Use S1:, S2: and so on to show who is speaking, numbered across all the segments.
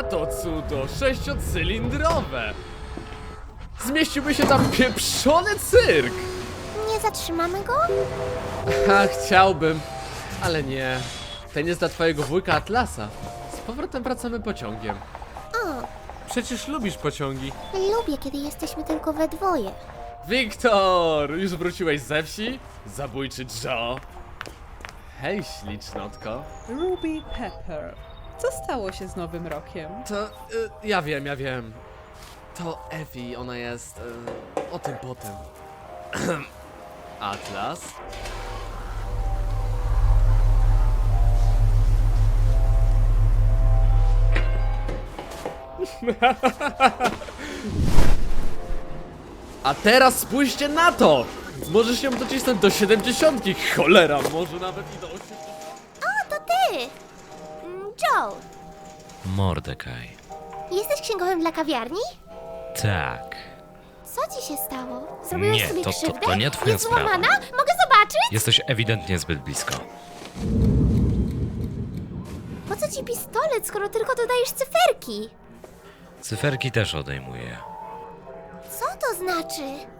S1: to cudo, 6-cylindrowe! Zmieściłby się tam pieprzony cyrk!
S2: Nie zatrzymamy go?
S1: Chciałbym, ale nie. Ten jest dla twojego wujka Atlasa. Z powrotem wracamy pociągiem.
S2: O,
S1: Przecież lubisz pociągi.
S2: lubię, kiedy jesteśmy tylko we dwoje.
S1: Wiktor! Już wróciłeś ze wsi? Zabójczy Joe. Hej, ślicznotko.
S3: Ruby Pepper. Co stało się z Nowym Rokiem?
S1: To, ja wiem. To Effie, ona jest, o tym potem. Atlas? A teraz spójrzcie na to! Możesz ją docisnąć do 70, cholera, może nawet i do 80.
S2: O, to ty! Joe,
S4: Mordekaj.
S2: jesteś księgowym dla kawiarni?
S4: Tak.
S2: Co ci się stało? Zrobiłeś
S4: Nie,
S2: sobie
S4: to
S2: krzywdę?
S4: nie twoja
S2: Jest
S4: sprawa.
S2: złamana? Mogę zobaczyć?
S4: Jesteś ewidentnie zbyt blisko.
S2: Po co ci pistolet, skoro tylko dodajesz cyferki?
S4: Cyferki też odejmuję.
S2: Co to znaczy?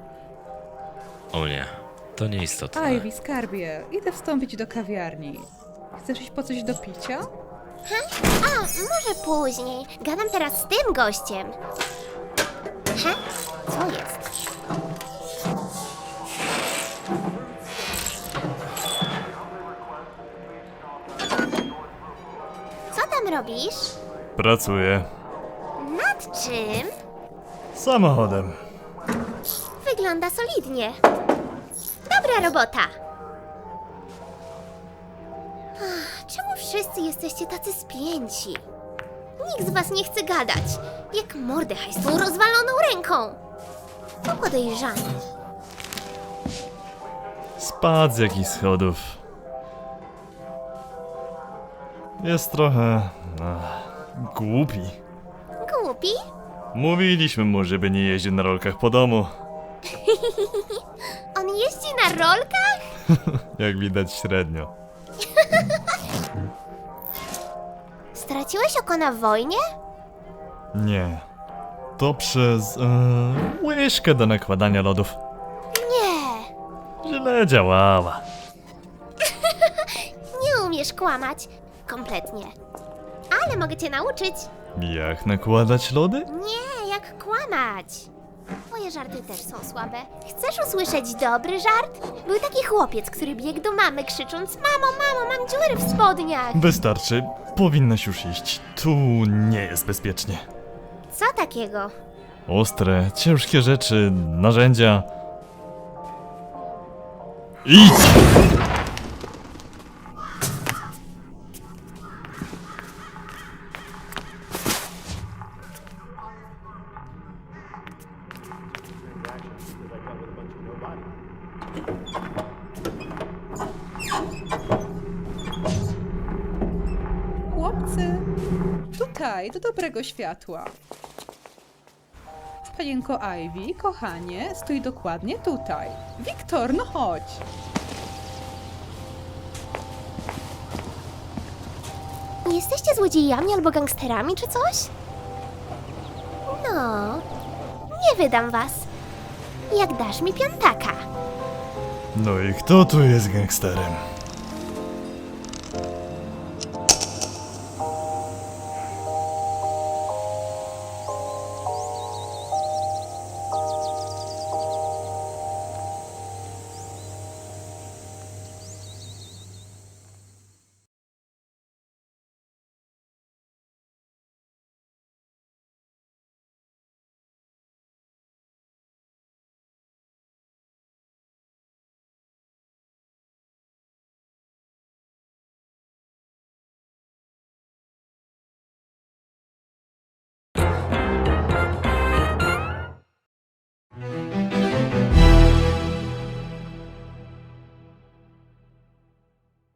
S4: O nie, to nieistotne.
S3: Ivy, skarbie, idę wstąpić do kawiarni. Chcesz iść po coś do picia?
S2: A, może później. Gadam teraz z tym gościem. Co jest? Co tam robisz?
S5: Pracuję.
S2: Nad czym?
S5: Samochodem.
S2: Wygląda solidnie. Dobra robota. Czemu wszyscy jesteście tacy spięci? Nikt z was nie chce gadać. Jak Mordechaj z tą rozwaloną ręką. To podejrzane.
S5: Spadł z jakichś schodów. Jest trochę... głupi.
S2: Głupi?
S5: Mówiliśmy mu, żeby nie jeździł na rolkach po domu.
S2: On jeździ na rolkach?
S5: Jak widać średnio.
S2: Straciłeś oko na wojnie?
S5: Nie. To przez... łyżkę do nakładania lodów.
S2: Nie.
S5: Źle działała.
S2: Nie umiesz kłamać. Kompletnie. Ale mogę cię nauczyć.
S5: Jak nakładać lody?
S2: Nie, jak kłamać. Moje żarty też są słabe. Chcesz usłyszeć dobry żart? Był taki chłopiec, który biegł do mamy krzycząc: Mamo, mamo, mam dziury w spodniach.
S5: Wystarczy. Powinnaś już iść. Tu nie jest bezpiecznie.
S2: Co takiego?
S5: Ostre, ciężkie rzeczy, narzędzia. Idź!
S3: Chłopcy, tutaj, do dobrego światła. Panienko Ivy, kochanie, stój dokładnie tutaj. Wiktor, no chodź.
S2: Nie jesteście złodziejami albo gangsterami czy coś? No, nie wydam was. Jak dasz mi piątaka.
S5: No i kto tu jest gangsterem?